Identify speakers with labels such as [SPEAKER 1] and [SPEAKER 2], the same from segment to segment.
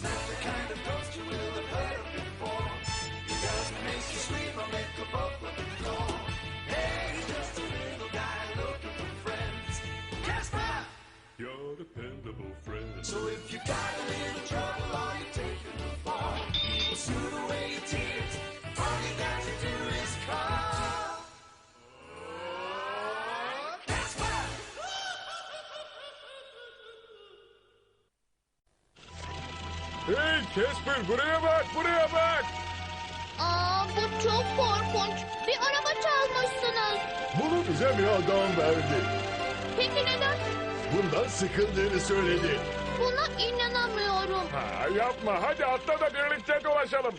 [SPEAKER 1] not the kind of ghost you will have heard of before. He doesn't make you scream or make a bubble at the door. Hey, he's just a little guy looking for friends. Casper!
[SPEAKER 2] Your dependable friend.
[SPEAKER 1] So if you got a little trouble or you're taking a fall, he will soothe away your tears. All you got to do is call. Casper!
[SPEAKER 2] Hey Casper, buraya bak, buraya bak.
[SPEAKER 3] Bu çok korkunç. Bir araba çalmışsınız.
[SPEAKER 2] Bunu bize bir adam verdi.
[SPEAKER 3] Peki neden?
[SPEAKER 2] Bundan sıkıldığını söyledi.
[SPEAKER 3] Buna inanamıyorum.
[SPEAKER 2] Ha, yapma, hadi atla da birlikte dolaşalım.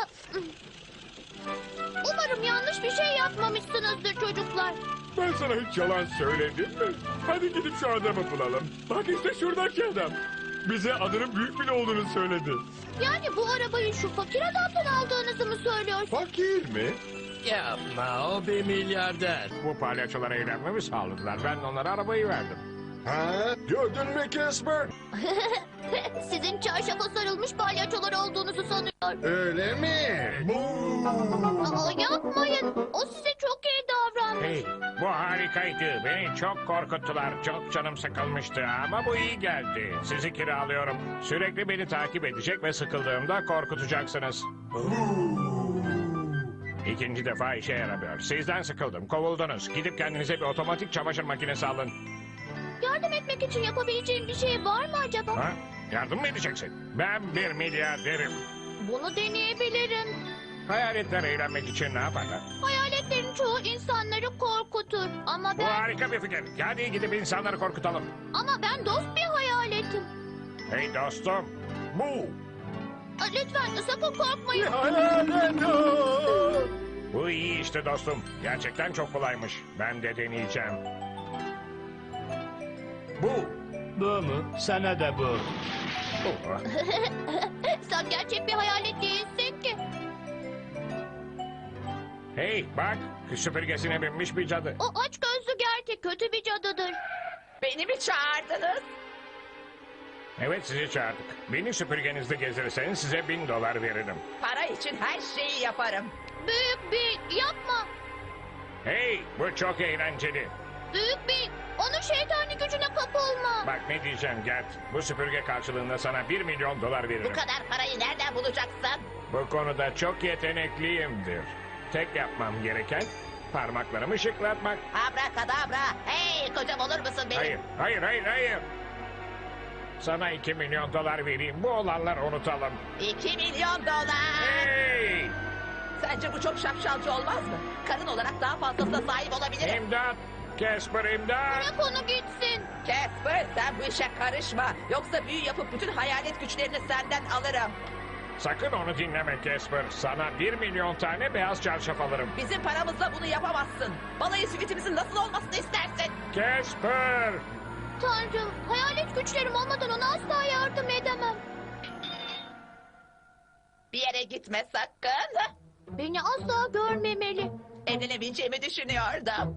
[SPEAKER 3] Umarım yanlış bir şey yapmamışsınızdır çocuklar.
[SPEAKER 2] Ben sana hiç yalan söyledim mi? Hadi gidip şu adamı bulalım. Bak işte şuradaki adam. Bize adının büyük bile olduğunu söyledi.
[SPEAKER 3] Yani bu arabayı şu fakir adamdan aldığınızı mı söylüyorsun?
[SPEAKER 2] Fakir mi?
[SPEAKER 4] Yapma, o bir milyarder.
[SPEAKER 5] Bu palyaçolara eğlenmemi sağladılar. Ben onlara arabayı verdim.
[SPEAKER 2] Ha? Gördün mü Casper?
[SPEAKER 3] Sizin çarşafa sarılmış palyaçolar olduğunuzu sanıyor.
[SPEAKER 2] Öyle mi?
[SPEAKER 3] Yapmayın. O size çok iyi davranmış.
[SPEAKER 5] Hey, bu harikaydı. Beni çok korkuttular. Çok canım sıkılmıştı ama bu iyi geldi. Sizi kiralıyorum. Sürekli beni takip edecek ve sıkıldığımda korkutacaksınız. İkinci defa işe yaramıyor. Sizden sıkıldım. Kovuldunuz. Gidip kendinize bir otomatik çamaşır makinesi alın.
[SPEAKER 3] Yardım etmek için yapabileceğim bir şey var mı acaba?
[SPEAKER 5] Ha? Yardım mı edeceksin? Ben bir milyarderim.
[SPEAKER 3] Bunu deneyebilirim.
[SPEAKER 5] Hayaletler eğlenmek için ne yaparlar?
[SPEAKER 3] Hayaletlerin çoğu insanları korkutur. Ama
[SPEAKER 5] Bu
[SPEAKER 3] ben
[SPEAKER 5] harika bir fikir. Hadi gidip insanları korkutalım.
[SPEAKER 3] dost bir hayaletim.
[SPEAKER 5] Hey dostum. Bu.
[SPEAKER 3] Lütfen sakın korkmayın.
[SPEAKER 2] Hayalet o!
[SPEAKER 5] Bu iyi işte dostum. Gerçekten çok kolaymış. Ben de deneyeceğim. Bu.
[SPEAKER 4] Bu mu? Sana da bu.
[SPEAKER 5] Bu.
[SPEAKER 3] Sen gerçek bir hayalet değilsin ki.
[SPEAKER 5] Hey bak. Süpürgesine binmiş bir cadı.
[SPEAKER 3] O aç gözlü gerçek kötü bir cadıdır.
[SPEAKER 6] Beni mi çağırdınız?
[SPEAKER 5] Evet sizi çağırdık. Beni süpürgenizde gezdirirseniz size $1000 veririm.
[SPEAKER 6] Para için her şeyi yaparım.
[SPEAKER 3] Büyük bir yapma.
[SPEAKER 5] Hey bu çok eğlenceli.
[SPEAKER 3] Büyük bir onun şeytani gücüne kapılma.
[SPEAKER 5] Bak ne diyeceğim Gert. Bu süpürge karşılığında sana $1 milyon
[SPEAKER 6] Bu
[SPEAKER 5] veririm.
[SPEAKER 6] kadar parayı nereden bulacaksın?
[SPEAKER 5] Bu konuda çok yetenekliyimdir. Tek yapmam gereken parmaklarımı şıklatmak.
[SPEAKER 6] Abrakadabra. Hey kocam olur musun benim?
[SPEAKER 5] Hayır, hayır, hayır, hayır. Sana $2 milyon vereyim. Bu olanları unutalım.
[SPEAKER 6] $2 milyon.
[SPEAKER 5] Hey!
[SPEAKER 6] Sence bu çok şapşalcı olmaz mı? Karın olarak daha fazlasına sahip olabilirim.
[SPEAKER 5] İmdat! Casper imdat!
[SPEAKER 3] Bırak onu gitsin.
[SPEAKER 6] Casper sen bu işe karışma. Yoksa büyü yapıp bütün hayalet güçlerini senden alırım.
[SPEAKER 5] Sakın onu dinleme Casper. Sana 1 milyon tane beyaz çarşaf alırım.
[SPEAKER 6] Bizim paramızla bunu yapamazsın. Balayı süitimizin nasıl olmasını istersin?
[SPEAKER 5] Casper!
[SPEAKER 3] Tanrım, hayalet güçlerim olmadan ona asla yardım edemem.
[SPEAKER 6] Bir yere gitme sakın.
[SPEAKER 3] Beni asla görmemeli.
[SPEAKER 6] Evlenebileceğimi düşünüyordum.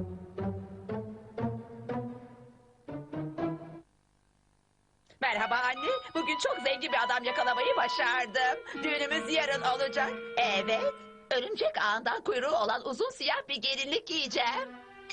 [SPEAKER 6] Merhaba anne. Bugün çok zengin bir adam yakalamayı başardım. Düğünümüz yarın olacak. Evet. Örümcek ağından kuyruğu olan uzun siyah bir gelinlik giyeceğim.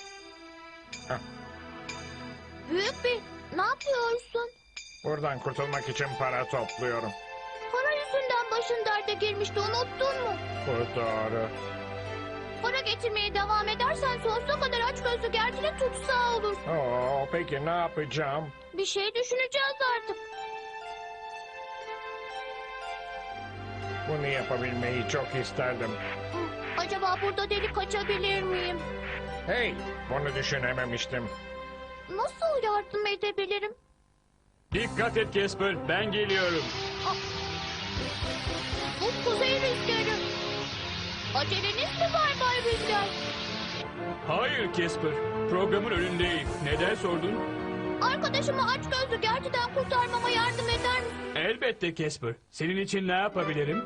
[SPEAKER 3] Büyük bir, ne yapıyorsun?
[SPEAKER 5] Buradan kurtulmak için para topluyorum.
[SPEAKER 3] Para yüzünden başın derde girmişti, unuttun mu?
[SPEAKER 5] Bu doğru.
[SPEAKER 3] Para getirmeye devam edersen sonsuza kadar aç gözlü gerçeğe tutsağı olur.
[SPEAKER 5] Oo, peki ne yapacağım?
[SPEAKER 3] Bir şey düşüneceğiz artık.
[SPEAKER 5] Bunu yapabilmeyi çok isterdim.
[SPEAKER 3] Acaba burada delik açabilir miyim?
[SPEAKER 5] Hey, bunu düşünememiştim.
[SPEAKER 3] Nasıl yardım edebilirim?
[SPEAKER 4] Dikkat et Casper, ben geliyorum.
[SPEAKER 3] Bu kuzey rüzgarı. Aceleniz mi var Bay Rüzgar?
[SPEAKER 4] Hayır Casper, programın önündeyim. Neden sordun?
[SPEAKER 3] Arkadaşımı aç gözlü gerçekten kurtarmama yardım eder misin?
[SPEAKER 4] Elbette Casper. Senin için ne yapabilirim?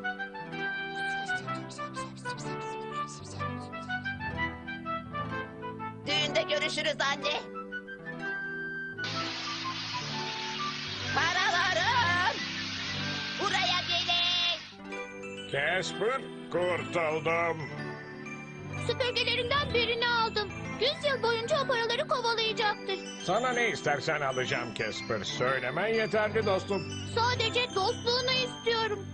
[SPEAKER 6] Düğünde görüşürüz anne. Paralarım.
[SPEAKER 5] Casper, kurtuldum.
[SPEAKER 3] Süpürgelerinden birini aldım. 100 yıl boyunca o paraları kovalayacaktır.
[SPEAKER 5] Sana ne istersen alacağım Casper. Söylemen yeterli dostum.
[SPEAKER 3] Sadece dostluğunu istiyorum.